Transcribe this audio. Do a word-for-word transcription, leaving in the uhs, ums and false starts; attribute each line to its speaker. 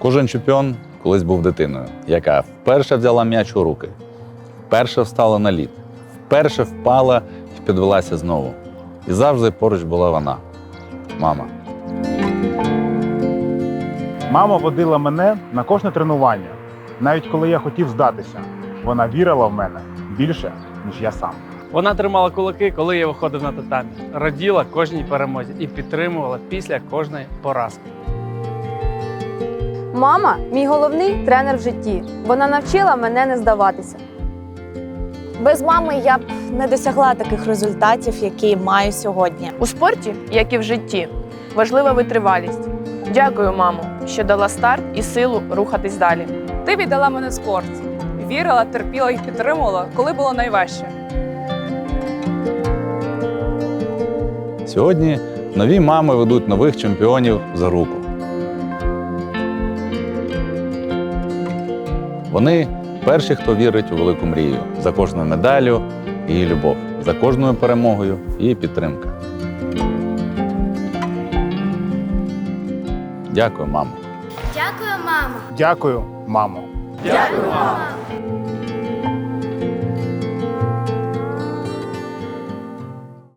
Speaker 1: Кожен чемпіон колись був дитиною, яка вперше взяла м'яч у руки, вперше встала на лід, вперше впала і підвелася знову. І завжди поруч була вона – мама.
Speaker 2: Мама водила мене на кожне тренування. Навіть коли я хотів здатися, вона вірила в мене більше, ніж я сам.
Speaker 3: Вона тримала кулаки, коли я виходив на татамі, раділа кожній перемозі і підтримувала після кожної поразки.
Speaker 4: Мама – мій головний тренер в житті. Вона навчила мене не здаватися.
Speaker 5: Без мами я б не досягла таких результатів, які маю сьогодні.
Speaker 6: У спорті, як і в житті, важлива витривалість. Дякую, мамо, що дала старт і силу рухатись далі.
Speaker 7: Ти віддала мене спорт. Вірила, терпіла і підтримувала, коли було найважче.
Speaker 1: Сьогодні нові мами ведуть нових чемпіонів за руку. Вони перші, хто вірить у велику мрію. За кожною медаллю – її любов, за кожною перемогою – її підтримка. Дякую, мамо.
Speaker 2: Дякую, мамо.
Speaker 7: Дякую, мамо.